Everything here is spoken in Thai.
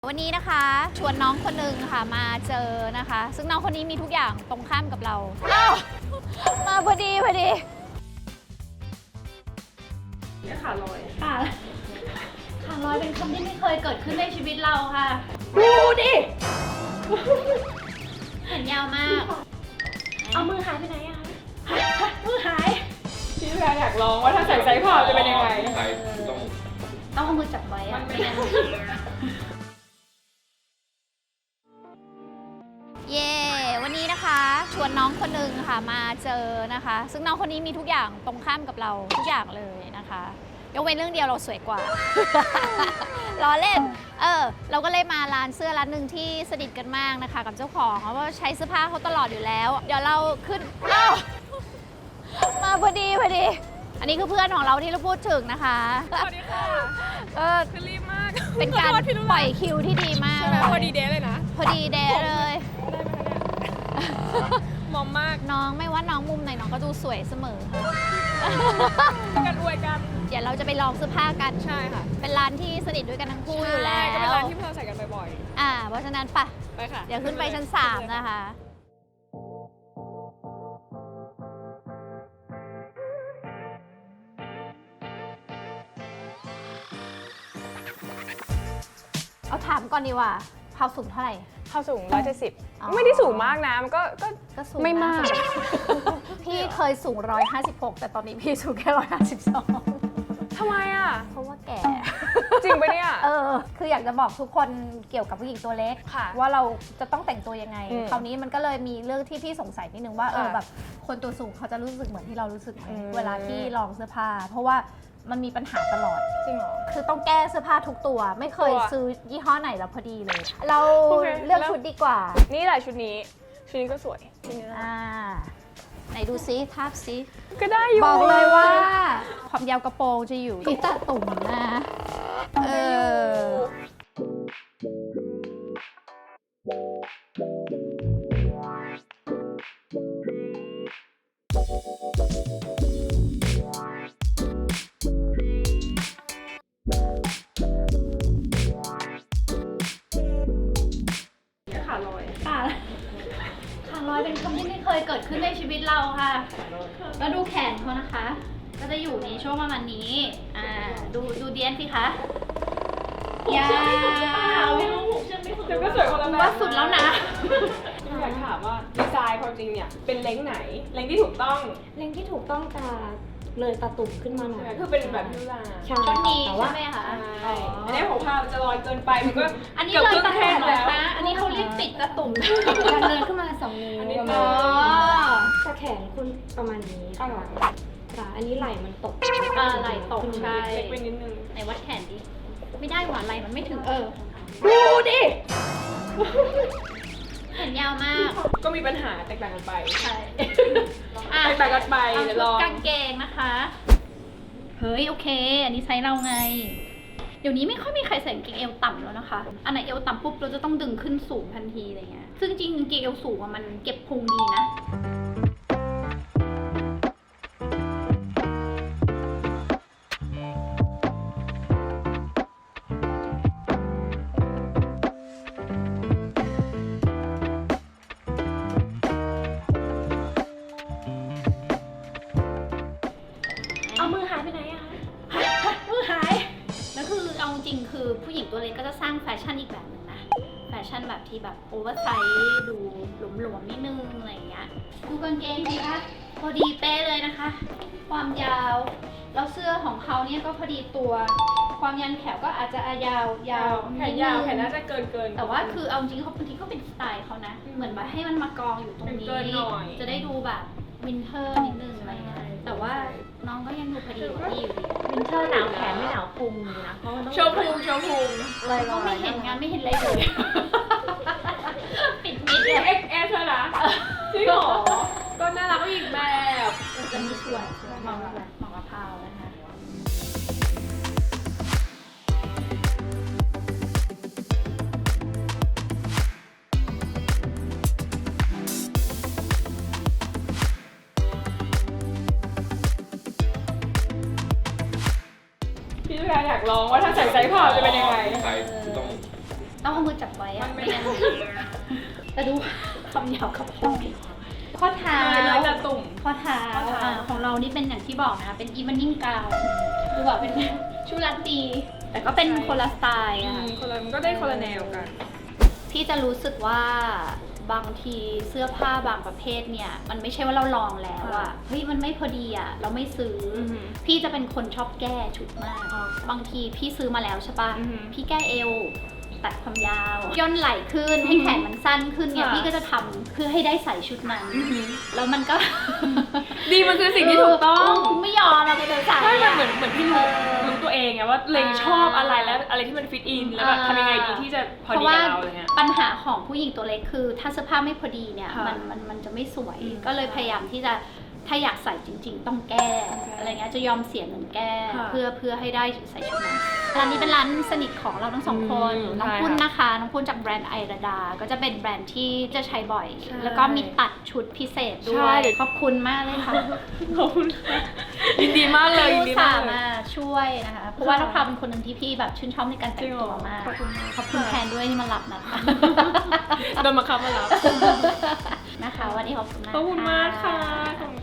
วันนี้นะคะชวนน้องคนหนึ่งค่ะมาเจอนะคะ ซึ่งน้องคนนี้มีทุกอย่างตรงข้ามกับเราอ้าวมาพอดีเนี่ยขาลอยขาลอยเป็นคำที่ไม่เคยเกิดขึ้นในชีวิตเราค่ะดูดิแขนยาวมากเอามือหายไปไหนอะคะมือหายพี่แพรอยากลองว่าถ้าใส่ไซส์พอจะเป็นยังไงต้องเอามือจับไว้อะไม่งั้นเย่วันนี้นะคะชวนน้องคนหนึ่งค่ะมาเจอนะคะ ซึ่งน้องคนนี้มีทุกอย่างตรงข้ามกับเราทุกอย่างเลยนะคะยกเว้นเรื่องเดียวเราสวยกว่า ล้อเล่นเราก็เลยมาร้านเสื้อร้านหนึ่งที่สนิทกันมากนะคะกับเจ้าของเพราะว่าใช้เสื้อผ้าเขาตลอดอยู่แล้วเดี๋ยวเราขึ้นมาพอดีอันนี้คือเพื่อนของเราที่เราพูดถึงนะคะสวัสดีค่ะคือรีบมากเป็นการปล่อยคิวที่ดีมากพอดีเดย์เลยนะพอดีเดย์เลยมอมมากน้องไม่ว่าน้องมุมไหนน้องก็ดูสวยเสมอค่ะกันอวยกันเดี๋ยวเราจะไปลองเสื้อผ้ากันใช่ค่ะเป็นร้านที่สนิทด้วยกันทั้งคู่อยู่แล้วก็เป็นร้านที่เราใส่กันบ่อยๆเพราะฉะนั้นไปค่ะเดี๋ยวขึ้นไปชั้น3นะคะเอาถามก่อนดีว่าเขาสูงเท่าไหร่เข้าสูง170ไม่ได้สูงมากนะมันก็สูงไม่มากพี่เคยสูง156แต่ตอนนี้พี่สูงแค่152 ทำไมอ่ะเพราะว่าแก่จริงปะเนี่ยคืออยากจะบอกทุกคนเกี่ยวกับผู้หญิงตัวเล็กว่าเราจะต้องแต่งตัวยังไงคราวนี้มันก็เลยมีเรื่องที่พี่สงสัยนิดนึงว่าแบบคนตัวสูงเขาจะรู้สึกเหมือนที่เรารู้สึกไหมเวลาที่ลองเสื้อผ้าเพราะว่ามันมีปัญหาตลอดจริงเหรอคือต้องแก้เสื้อผ้าทุกตัวไม่เคยซื้อยี่ห้อไหนแล้วพอดีเลยเราเลือกชุดดีกว่านี่แหละชุดนี้ก็สวยชุดนี้ไหนดูซิทาบซิก็ได้อยู่บอกเลยว่าความยาวกระโปรงจะอยู่ที่ตาตุ่มนะขาลอยเป็นคำที่ไม่เคยเกิดขึ้นในชีวิตเราค่ะแล้วดูแขนเขานะคะก็จะอยู่ในช่วงประมาณนี้ดูเดียนสิคะยาวเดี๋ยวก็สวยคนละแบบว่าสุดแล้วนะอยากถามว่าดีไซน์ความจริงเนี่ยเป็นเล้งไหนเล้งที่ถูกต้องจะเลยตาตุ่มขึ้นมาหน่อยคือเป็นแบบยูราใช่ชุดนี้ใช่ไหมคะอันนี้ผมพาจะลอยเกินไปมันก็อันนี้เลยตาตุ่มแล้วอันนี้เขาเรียกปิดตาตุ่มการเดินขึ้นมา2 นิ้วประมาณแต่แขนคุณประมาณนี้ค่ะอันนี้ไหล่มันตกไหล่ตกใช่เล็กไปนิดนึงไหนวัดแขนดิไม่ได้หวานไหล่มันไม่ถึงดูดิแขนยาวมากก็มีปัญหาแตกต่างกันไปใช่แตกต่างกันไปเดี๋ยวลองกางเกงนะคะเฮ้ยโอเคอันนี้ไซส์เราไงเดี๋ยวนี้ไม่ค่อยมีใครใส่กางเกงเอวต่ำแล้วนะคะอันไหนเอวต่ำปุ๊บเราจะต้องดึงขึ้นสูงทันทีอะไรเงี้ยซึ่งจริงกางเกงเอวสูงมันเก็บพุงดีนะเอามือหายไปไหนอะคะมือหายแล้วคือเอาจริงคือผู้หญิงตัวเล็กก็จะสร้างแฟชั่นอีกแบบหนึ่งนะแฟชั่นแบบที่แบบโอเวอร์ไซส์ดูหลวมๆนิดนึงอะไรอย่างเงี้ยดูกางเกงดีคะพอดีเป๊ะเลยนะคะความยาวแล้วเสื้อของเขาเนี่ยก็พอดีตัวความยันแขวก็อาจจะยาวแขนยาวแขนน่าจะเกินแต่ว่าคือเอาจริงเขาบางทีก็เป็นสไตล์เขานะเหมือนแบบให้มันมากองอยู่ตรงนี้จะได้ดูแบบวินเทอร์นิดนึงอะไรเงี้ยแต่ว่าน้องก็ยังดูพอดีกว่าพี่อยู่ดีวินเทอร์หนาวแขนไม่หนาวพุงนะเพราะมันต้องโชว์พุงก็ไม่เห็นงานไม่เห็นอะไรเลยปิดมิดเลย XS เธอนะจริงเหรอก็น่ารักอีกแบบจะมีสวยมองมะพร้าวนะคะพี่แพรอยากลองว่าถ้าใส่ไซส์พอจะเป็นยังไงต้องเอามือจับไว้อะมันไม่ไม่งั้นแต่ดูคำหยาบกับพ่อข้อเท้าเลยจะตุ่มข้อเท้าข้อเท้าของเรานี่เป็นอย่างที่บอกนะคะเป็นอีเวนนิ่งกาวคือแบบเป็นชุดราตรีแต่ก็เป็นคนละสไตล์อะค่ะคนละมันก็ได้คนละแนวกันพี่จะรู้สึกว่าบางทีเสื้อผ้าบางประเภทเนี่ยมันไม่ใช่ว่าเราลองแล้วอะเฮ้ยมันไม่พอดีอะเราไม่ซื้อออหือพี่จะเป็นคนชอบแก้ชุดมากอ๋อบางทีพี่ซื้อมาแล้วใช่ปะอือหือพี่แก้เอวตัดความยาวย่นไหล่ขึ้นให้แขนมันสั้นขึ้นเนี่ยค่ะพี่ก็จะทำเพื่อให้ได้ใส่ชุดนั้นแล้วมันก็ดีมันคือสิ่งที่ถูกต้องไม่ยอมเราไปเดินสายใช่มันเหมือนพี่รู้ตัวเองไงว่าเลงชอบอะไรแล้วอะไรที่มันฟิตอินแล้วแบบทำยังไงดีที่จะพอเพดีราะว่ากับเราอะไรเงี้ยปัญหาของผู้หญิงตัวเล็กคือ ถ้าเสื้อผ้าไม่พอดีเนี่ยค่ะมันจะไม่สวยอืมก็เลยพยายามที่จะถ้าอยากใส่จริง ๆ ต้องแก้ อะไรเงี้ยจะยอมเสียเงินแก้ค่ะเพื่อให้ได้ใส่ชุดนั้นร้านนี้เป็นร้านสนิทของเราทั้งสองคนอืมน้องใช่ปุ้นค่ะนะคะน้องปุ้นจากแบรนด์ไอราดา ก็จะเป็นแบรนด์ที่จะใช้บ่อยใช่แล้วก็มีตัดชุดพิเศษด้ใช่วยขอบคุณมากเลยค่ะขอบคุณค่ะยินดีมากเลยยินดีที่อุตส่ามากห์เลยมาช่วยนะคะเพราะว่าน้องพาวเป็นคนหนึ่งที่พี่แบบชื่นชอบในการแต่งตัวมากขอบคุณมากขอบคุณแทนด้วยที่มารับนะคะโดนมาคับมาแล้วนะคะวันนี้ขอบคุณมากขอบคุณมากค่ะขอบคุณ